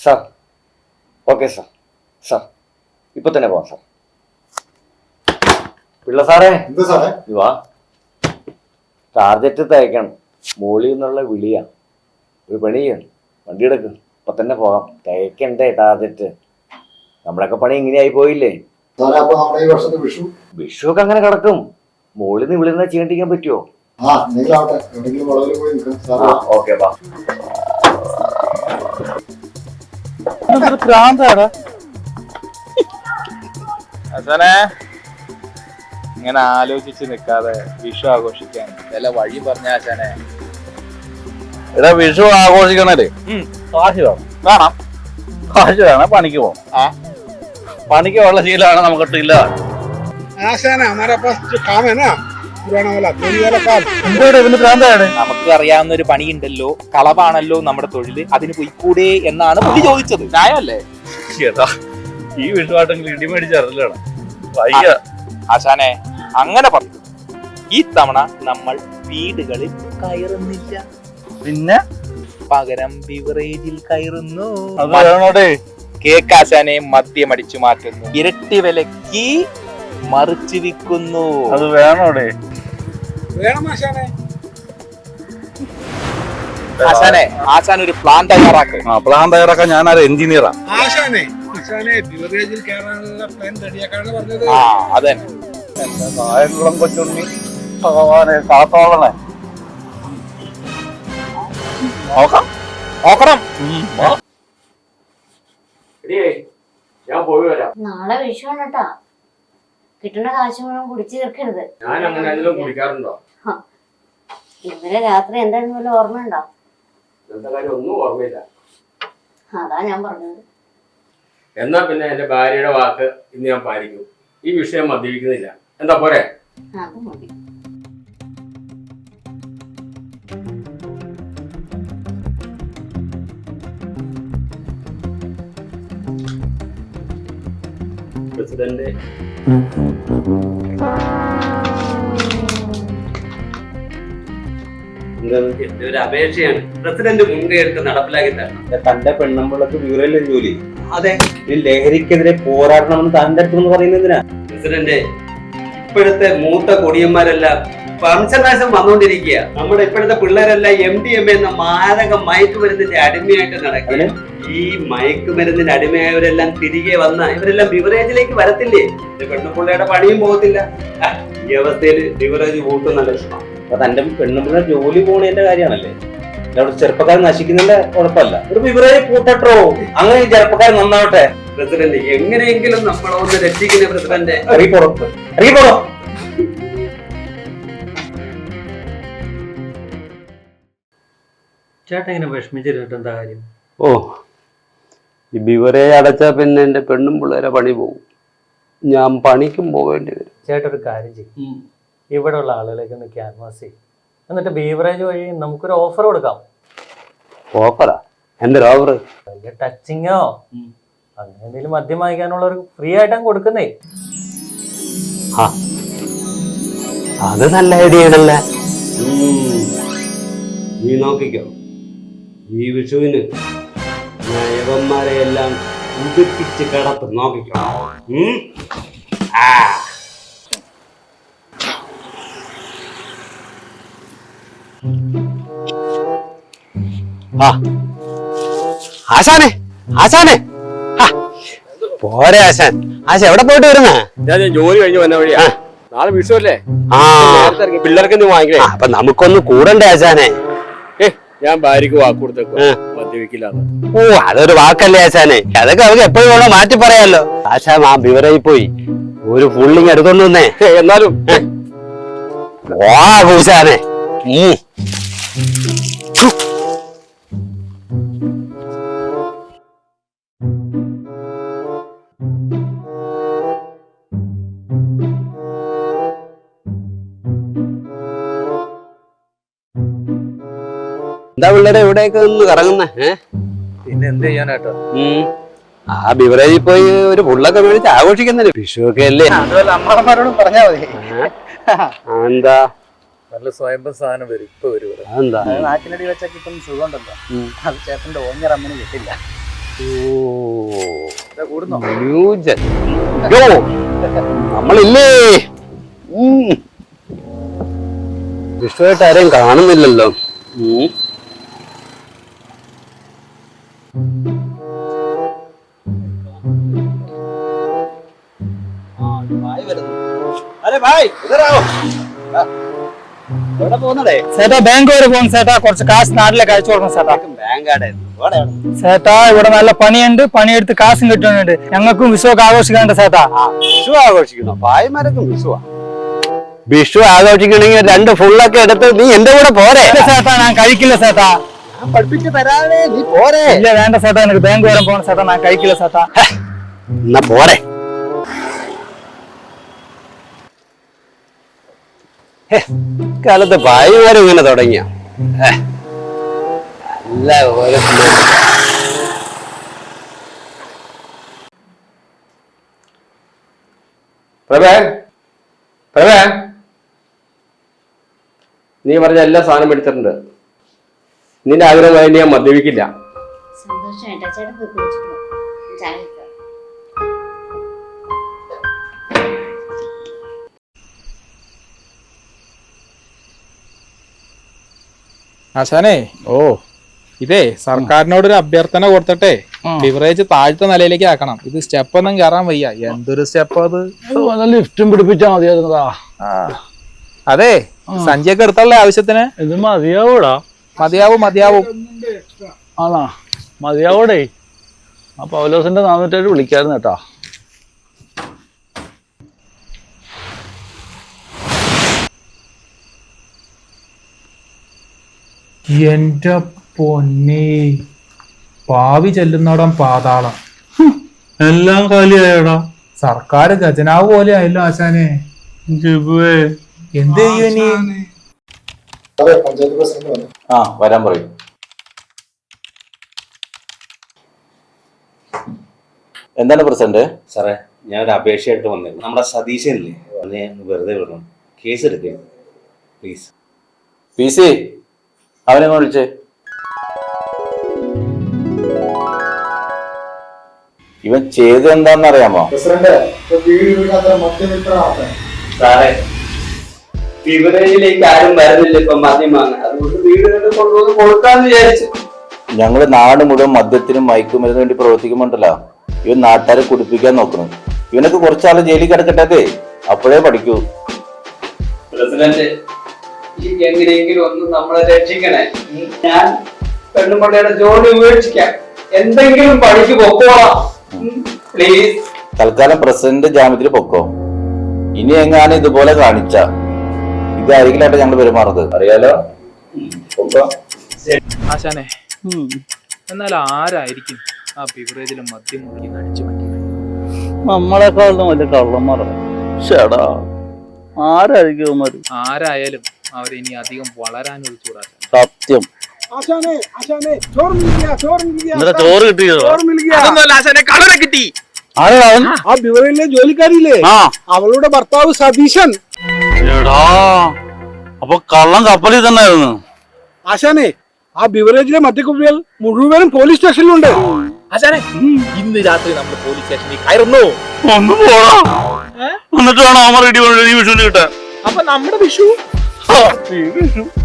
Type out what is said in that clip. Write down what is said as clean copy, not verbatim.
Sir okay sir. Sir ഇപ്പൊ തന്നെ പോവാം സാർ. പിള്ള സാറേ വാ, ടാർജറ്റ് തയ്ക്കണം. മോളിൽ നിന്നുള്ള വിളിയാ. ഒരു പണി ചെയ്യണം, വണ്ടി എടുക്കും, ഇപ്പൊ തന്നെ പോകാം. തയ്ക്കണ്ടേ ടാർജറ്റ്? നമ്മളൊക്കെ പണി ഇങ്ങനെയായി പോയില്ലേ. വിഷു ഒക്കെ അങ്ങനെ കിടക്കും. മോളിൽ നിന്ന് വിളിക്കുന്ന ചെയ്യണ്ടിരിക്കാൻ പറ്റുമോ? ഓക്കെ ബാ. ഇങ്ങനെ ആലോചിച്ച് നിൽക്കാതെ വിഷു ആഘോഷിക്കാൻ വല്ല വഴി പറഞ്ഞ ആശാനെ. ഇവിടെ വിഷു ആഘോഷിക്കണല്ലേ കാശ് വേണം. വേണം, കാശ് വേണം. പണിക്ക് പോകണം. പണിക്ക് ഉള്ള ശീലമാണ് നമുക്കിട്ട് ഇല്ല. നമുക്ക് അറിയാവുന്ന ഒരു പണിയുണ്ടല്ലോ, കളവാണല്ലോ നമ്മുടെ തൊഴില്, അതിന് പോയിക്കൂടെ എന്നാണ് പുള്ളി ചോദിച്ചത്. ന്യായമല്ലേ? ഏതാ ഈ വിഷുവാട്ടെങ്കിൽ ഇടി മേടിച്ചറിലാണ് വയ്യ. ആശാനെ അങ്ങനെ പറഞ്ഞു. ഈ തവണ നമ്മൾ വീടുകളിൽ കയറുന്നില്ല, പിന്നെ പകരം ബിവറേജിൽ കയറുന്നു. അത് വേണോടെ. കേക്ക് ആശാനെ മദ്യം അടിച്ചു മാറ്റുന്നു, ഇരട്ടി വിലക്ക് മറിച്ചു വിൽക്കുന്നു. അത് വേണോടെ. ആശാനെ ആശാൻ ഒരു പ്ലാൻ തയ്യാറാക്ക്. പ്ലാൻ തയ്യാറാക്കാൻ ഞാനൊരു എഞ്ചിനീയറാ. അതെ എന്റെ നായകുളം കൊച്ചുണ്ണി ഭഗവാനെ കാത്തോളണേ. നോക്കാം, നോക്കണം. ഞാൻ പോയി വരാം. നാളെ വിഷുവാണ് കേട്ടാ. കിട്ടുന്ന കാശ് മുഴുവൻ കുടിച്ചു തീർക്കരുത്. ഞാൻ അങ്ങനെ അതിലും കുടിക്കാറുണ്ടോ? ഇന്നലെ രാത്രി എന്തായിരുന്നു വല്ല ഓർമ്മയുണ്ടോ? എന്താ കാര്യം ഒന്നും ഓർമ്മയില്ല. അതാ ഞാൻ പറഞ്ഞത്. എന്നാ പിന്നെ എന്റെ ഭാര്യയുടെ വാക്ക് ഇന്ന് ഞാൻ പാലിക്കും. ഈ വിഷയം മദ്യപിക്കുന്നില്ല. എന്താ പോരെ? അത് മതി. പ്രസിഡന്റ് എന്റെ ഒരു അപേക്ഷയാണ്. പ്രസിഡന്റ് മുൻകൈ എടുത്ത് നടപ്പിലാക്കി തരണം. തന്റെ പെണ്ണുമ്പിള്ളക്ക് വിവരമില്ല ജോലി. അതെ, ഈ ലഹരിക്കെതിരെ പോരാടണമെന്ന് തന്റെ അടുത്ത് പറയുന്നതിനാ. പ്രസിഡന്റ്, ഇപ്പോഴത്തെ മൂത്ത കൊടിയന്മാരെല്ലാം വംശനാശം വന്നുകൊണ്ടിരിക്കുക. നമ്മുടെ ഇപ്പോഴത്തെ പിള്ളേരെല്ലാം MDMA എന്ന മാരക മയക്കുമരുന്നിന്റെ അടിമയായിട്ട് നടക്കുക. ഈ മയക്കുമരുന്നിന്റെ അടിമയായവരെല്ലാം തിരികെ വന്ന ഇവരെല്ലാം ബിവറേജിലേക്ക് വരത്തില്ലേ? പെണ്ണുപിള്ളയുടെ പണിയും പോകത്തില്ല. ഈ അവസ്ഥയിൽ ബിവറേജ് കൂട്ടുന്ന ലക്ഷണം. അപ്പൊ തന്റെ പെണ്ണുമ്പിള്ള ജോലി പോണേന്റെ കാര്യമാണല്ലേ. ചെറുപ്പക്കാരൻ നശിക്കുന്നതിന്റെ കുഴപ്പമില്ല. ഒരു ബിവറേജ് കൂട്ടട്ടോ, അങ്ങനെ ചെറുപ്പക്കാരൻ നന്നാവട്ടെ. പ്രസിഡന്റ്, എങ്ങനെയെങ്കിലും നമ്മളെ ഒന്ന് രക്ഷിക്കുന്ന പ്രസിഡന്റ്. ചേട്ടൻ ഇങ്ങനെ വിഷമിച്ചിട്ട് എന്താ കാര്യം? ഓ, ഈ ബിവറേജ് അടച്ചാൽ പിന്നെ എന്റെ പെണ്ണും പിള്ളേരെ പണി പോകും. ഞാൻ പണിക്കും പോകേണ്ടി വരും. ചേട്ടൻ ഒരു കാര്യം ചെയ്യും, ഇവിടെ ഉള്ള ആളുകളേക്ക് ഒന്ന് ക്യാൻവാസ് ചെയ്യും, എന്നിട്ട് ബീവറേജ് വഴി നമുക്കൊരു ഓഫർ കൊടുക്കാം. ഓഫറാ? എന്തൊരു ഓഫർ? വലിയ ടച്ചിങ്ങോ അങ്ങനെ എന്തെങ്കിലും മദ്യം വാങ്ങിക്കാനുള്ളവർക്ക് ഫ്രീ ആയിട്ടാണ് കൊടുക്കുന്നേ. അത് നല്ല ഐഡിയ ആണല്ലേ. നീ നോക്കിക്കോ, ഈ വിഷുവിന് യവന്മാരെ എല്ലാം ഉടുപ്പിച്ച് കിടത്ത് നോക്കിക്കോ. ആശാനെ, ആശാനെ പോരെ ആശാൻ. ആശാൻ എവിടെ പോയിട്ട് വരുന്ന? ഞാൻ ജോലി കഴിഞ്ഞ് വന്ന വഴിയാ. നാളെ വിഷു അല്ലേ? പിള്ളേർക്ക് നീ വാങ്ങിക്കേ. അപ്പൊ നമുക്കൊന്ന് കൂടണ്ടേ ആശാനെ? ഞാൻ ഭാര്യക്ക് വാക്ക് കൊടുത്തേക്കോ, മദ്യപിക്കില്ല. ഓ, അതൊരു വാക്കല്ലേ ആശാനെ? അതൊക്കെ അവർക്ക് എപ്പോഴും വേണോ മാറ്റി പറയാലോ. ആശാൻ ആ ബിവറേജിൽ പോയി ഒരു ഫുള്ളിങ് എടുത്തോണ്ട് വന്നേ. എന്നാലും വാ കൂശാനെ. എന്താ പിള്ളേരെ എവിടെയൊക്കെ ഒന്ന് കറങ്ങുന്നേ? പിന്നെ എന്ത് ചെയ്യാനാട്ടോ? ആ ബിവറേജിൽ പോയി ഒരു ഫുള്ളൊക്കെ മേടിച്ച് ആഘോഷിക്കുന്നല്ലേ? വിഷു ഒക്കെ അല്ലേ? അമ്മമാരോടും പറഞ്ഞാ മതി. എന്താ നല്ല സ്വയംഭം സാധനം വരും, ഇപ്പൊ വരും. എന്താ നാക്കിനടി വെച്ചാൽ കിട്ടുന്ന സുഖം ഉണ്ടല്ലോ, അത് ചേട്ടന്റെ ഓഞ്ഞർ അമ്മന് കിട്ടില്ല. ന്യൂജൻ. യോ, നമ്മളില്ലേ വിഷുവായിട്ട് ആരെയും കാണുന്നില്ലല്ലോ. ചേട്ടാ ബാങ്ക് വരെ പോകും ചേട്ടാ, കുറച്ച് കാശ് നാട്ടിലേക്ക് അയച്ചു കൊടുക്കണം ചേട്ടാ. ചേട്ടാ ഇവിടെ നല്ല പണിയുണ്ട്, പണിയെടുത്ത് കാശും കിട്ടുന്നുണ്ട്. ഞങ്ങൾക്കും വിഷുവൊക്കെ ആഘോഷിക്കാണ്ട് ചേട്ടാ. വിഷു ആഘോഷിക്കണോ? ഭായിമാരൊക്കെ വിഷുവാ. വിഷു ആഘോഷിക്കണമെങ്കിൽ 2 ഫുള്ളൊക്കെ എടുത്ത് നീ എന്റെ കൂടെ പോരെ. ഇല്ല ചേട്ടാ, ഞാൻ കഴിക്കില്ല ചേട്ടാ. ഞാൻ പഠിപ്പിച്ച് തരാതെ നീ പോരെ. ഇല്ല വേണ്ട ചേട്ടാ, എനിക്ക് ബാങ്ക് വരെ പോകണം ചേട്ടാ, ഞാൻ കഴിക്കില്ല ചേട്ടാ. എന്നാ പോരെ. കാലത്ത് ഭായിമാരും ഇങ്ങനെ തുടങ്ങിയ നല്ല പോലെ. പ്രഭേ, പ്രഭേ, നീ പറഞ്ഞ എല്ലാ സാധനം എടുത്തിട്ടുണ്ട്. നിന്റെ ആഗ്രഹമായി ഞാൻ മദ്യപിക്കില്ല. സന്തോഷം ഏട്ടാ. ചേട്ടൻ പോയി കുടിച്ചിട്ട് വാ. ചായ വെക്കാം. ആശാനേ, ഇതേ സർക്കാരിനോടൊരു അഭ്യർത്ഥന കൊടുത്തിട്ടെ ബിവറേജ് താഴത്തെ നിലയിലേക്ക് ആക്കണം. ഇത് സ്റ്റെപ്പ് ഒന്നും കയറാൻ വയ്യ. എന്തൊരു സ്റ്റെപ്പ് അത്. ലിഫ്റ്റും പിടിപ്പിച്ചാ മതിയായിരുന്നതാ. അതെ, സഞ്ചിയൊക്കെ എടുത്തുള്ള ആവശ്യത്തിന് ഇത് മതിയാവൂടാ. മതിയാവും മതിയാവും. ആണാ മതിയാവൂടേ. ആ പൗലോസിന്റെ 407 വിളിക്കായിരുന്നു കേട്ടാ. എന്റെ പൊന്നെ, പാവി ചെല്ലുന്നോടം പാതാളം. എല്ലാം കാലിയായടാ. സർക്കാർ ഖജനാവ് പോലെ ആയല്ലോ ആശാനെ. എന്ത് ചെയ്യും ഇനി? ആ വരാൻ പറയും. എന്താണ് പ്രസിഡന്റ്? സാറേ, ഞാനൊരു അപേക്ഷയായിട്ട് വന്നിരുന്നു. നമ്മുടെ സതീശനില്ലേ, അതിനെ വെറുതെ വിടണം. കേസ് എടുക്കരുത് പ്ലീസ്. PC അവനെ വിളിച്ചേ. ഇവൻ ചെയ്ത് എന്താന്നറിയാമോ? സാറേ, ബിവറേജിലേക്ക് ആരും വരുന്നില്ല ഇപ്പൊ മദ്യം വാങ്ങാൻ. അതുകൊണ്ട് വീടുകളിൽ കൊണ്ടുവന്ന് കൊടുക്കാന്ന് വിചാരിച്ചു. ഞങ്ങള് നാട് മുഴുവൻ മദ്യത്തിനും മയക്കുമരുന്നിന് വേണ്ടി പ്രവർത്തിക്കുമ്പോണ്ടല്ലോ ഇവൻ നാട്ടുകാരെ കുടിപ്പിക്കാൻ നോക്കണം. ഇവനൊക്കെ കുറച്ചാള് ജയിലിൽ കിടക്കട്ടെ, അപ്പോഴേ പഠിക്കൂ. പ്രസിഡന്റ്, ഈ എങ്ങനെയെങ്കിലും ഒന്ന് നമ്മളെ രക്ഷിക്കണേ. ഞാൻ പെണ്ണുമ്പള്ളയുടെ ജോലി ഉപേക്ഷിക്കാം, എന്തെങ്കിലും പണിക്ക് പൊക്കോളാം പ്ലീസ്. തൽക്കാലം പ്രസിഡന്റ് ജാമ്യത്തിൽ പൊക്കോ. ഇനി എങ്ങാനും ഇതുപോലെ കാണിച്ച ഇതായിരിക്കില്ലാട്ടെ ഞങ്ങൾ പെരുമാറുന്നത്, അറിയാലോ. പൊക്കോ. ആശാനെ, എന്നാൽ ആരായിരിക്കും ആ ബിവറേജിലെ മദ്യം മുറുക്കി അടിച്ചു മാറ്റി? നമ്മളെക്കാളും വലിയ കള്ളന്മാരാണ്. ചേടാ, ആരായിരിക്കും ആരായാലും അവരിനി അധികം വളരാൻ ഒഴിച്ചുകൂടാ. സത്യം. ചോറ് കിട്ടിയോ? കളറെ കിട്ടി. ആ ബിവറേജിലെ ജോലിക്കാരില്ലേ, അവളുടെ ഭർത്താവ് സതീശൻ. എടാ, അപ്പൊ കള്ളം കപ്പലിൽ തന്നെ ആയിരുന്നു. ആശാനെ, ആ ബിവറേജിലെ മദ്യക്കുപ്പികൾ മുഴുവനും പോലീസ് സ്റ്റേഷനിലുണ്ട്. ആശാനെ, ഇന്ന് രാത്രി നമ്മൾ പോലീസ് സ്റ്റേഷനിൽ കയറുന്നു. ഒന്ന് പോടാ. എന്നിട്ട് വേണം അമ്മ റെഡി വിഷുവിന് കിട്ടാൻ. അപ്പൊ നമ്മുടെ വിഷു